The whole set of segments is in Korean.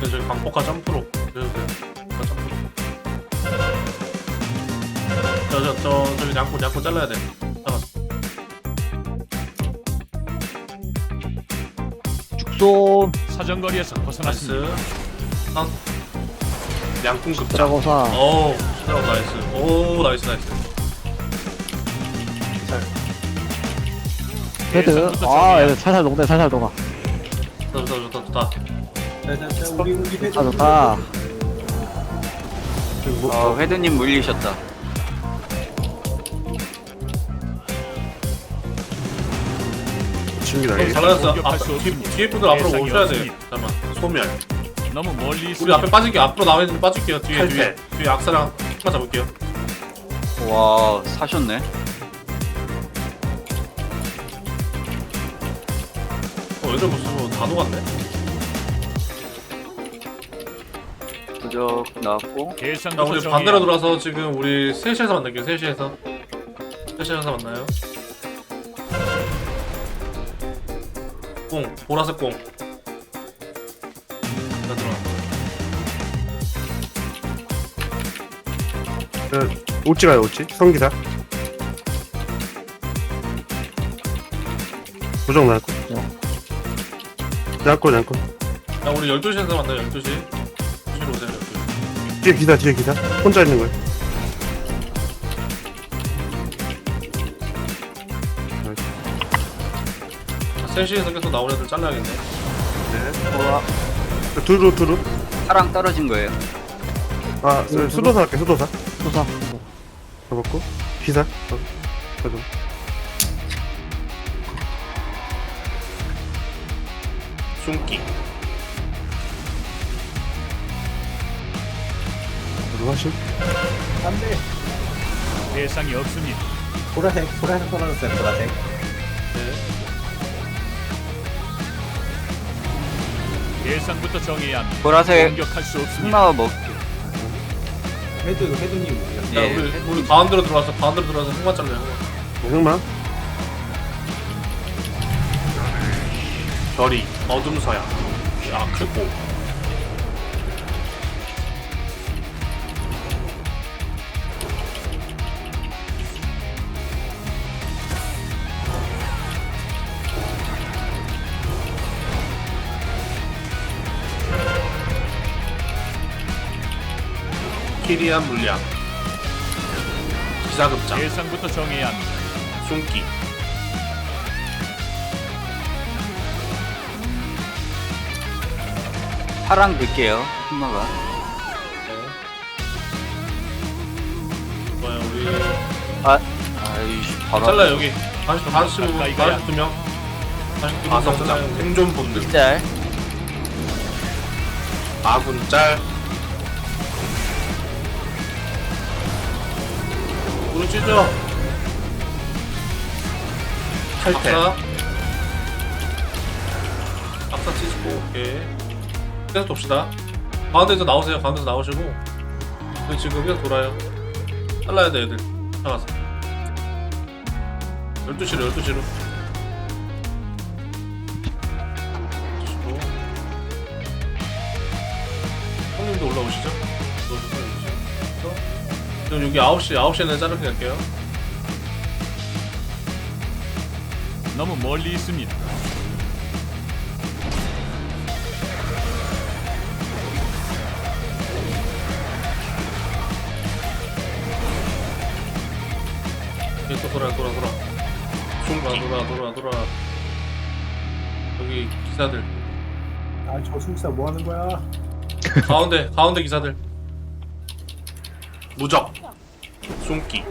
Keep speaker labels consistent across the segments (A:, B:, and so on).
A: 저기 광폭화 점프로 그래도 돼요. 점프로. 저기 양꾼 잘라야 돼. 잠깐.
B: 죽소
C: 사정거리에서 벗어났습니다.
A: 나이스. 양꾼 급장.
B: 드라고사
A: 오, 드라고 나이스. 오, 나이스.
B: 헤드 아 얘들 살살 녹네 살살 녹아
A: 좋다.
D: 우리
B: 아 좋다
E: 회드님 물리셨다.
A: 잘하셨어.
C: 공격할 수 없습니다.
A: 뒤에 분들 앞으로
C: 예상이
A: 오셔야 돼.
C: 없습니다.
A: 잠깐만. 소멸.
C: 너무 멀리
A: 우리
C: 있습니다.
A: 앞에 빠질게요. 앞으로 나와 있는 빠질게요. 뒤에 악사랑 하나 잡을게요.
E: 와 사셨네.
A: 애들 무슨 다 녹았네.
E: 부적 나왔고.
A: 자,
C: 계산부터
A: 우리
C: 정해야
A: 반대로 돌아서 지금 우리 3시에서 만날게요. 3시에서 만나요. 공, 보라색 공. 자, 들어와.
D: 오찌 가요 오찌 성기사 부정 나고 양꾼
A: 야, 우리 12시에서 만나요. 12시. 12시로 오세요. 12시.
D: 뒤에 기사 혼자 있는 거예요.
A: 자, 3시에서 계속 나오는 애들 잘라야겠네.
D: 두루
E: 사랑 떨어진 거예요.
D: 아 수도사 할게 수도사
B: 소사
D: 잡았고 기사 가져
A: 숨기.
D: 누구 하실?
F: 안돼.
C: 대상이 없습니다.
F: 보라색 떨어졌어요. 보라색.
A: 네.
C: 대상부터 정해야 합니다.
E: 보라색
C: 공격할 수 없습니다.
E: 흑마와 먹.
F: 헤드님.
A: 야,
E: 예.
A: 우리 가운데로 들어와서 흑마 잘라요.
D: 흑마
A: 별이 어둠 서야. 야, 크고. 키리안 물량. 기사급장.
C: 대상부터 정해야 합니다.
A: 숨기.
E: 사랑 넣을게요. 흑마가.
A: 뭐야, 우리.
E: 아이씨 바로.
A: 잘라 여기. 다시
C: 가까이 가야.
A: 2명. 다시 2명. 가성장. 생존 본능.
E: 짤.
A: 아군 짤. 우리 찢어. 탈퇴. 악사 찢고. 오케이. 계속 돕시다. 가운데서 나오세요. 가운데서 나오시고. 우리 지금 계속 돌아요. 잘라야 돼 애들. 나가서. 12시로 12시로. 형님도 올라오시죠? 그럼 여기 9시에는 자르게 갈게요.
C: 너무 멀리 있습니다.
A: 여기 또 돌아. 돌아. 여기 기사들.
F: 아저 숨사 뭐 하는 거야?
A: 가운데 기사들. 무적. 숨기.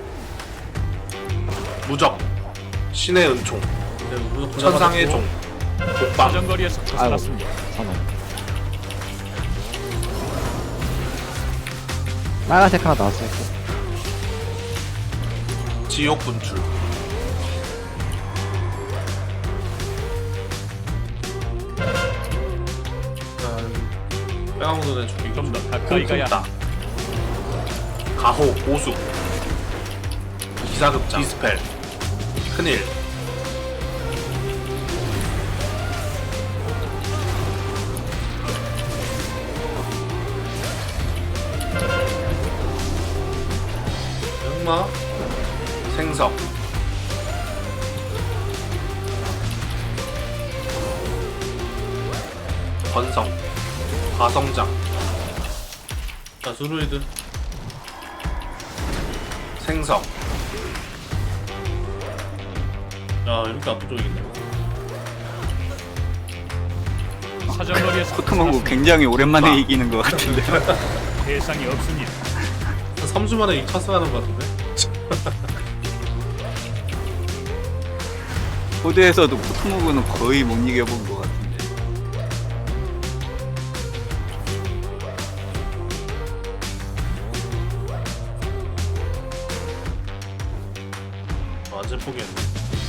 A: 무적. 신의 은총. 천상의 종. 독방.
C: 사정거리에서 벗어났습니다.
B: 사망 빨간색 하나 나왔어요
A: 지옥 분출. 빼가모도 내줄게.
C: 좀 더 가까이 가야
A: 콩콩따. 가호 오수. 기사급장. 디스펠. 큰일. 흑마, 생석, 건성, 가성장. 자, 수루이드, 생석. 야, 이렇게 압도적이네.
C: 사정거리에서
E: 코트몽구
C: 벗어났습니다.
E: 굉장히 오랜만에
A: 아.
E: 이기는 것 같은데.
C: 대상이 없습니다.
A: 한 3주 만에 이 찬스하는 것 같은데?
E: 코드에서도 코트몽구는 거의 못 이겨본 것 같은데.
A: 완전 포기했네.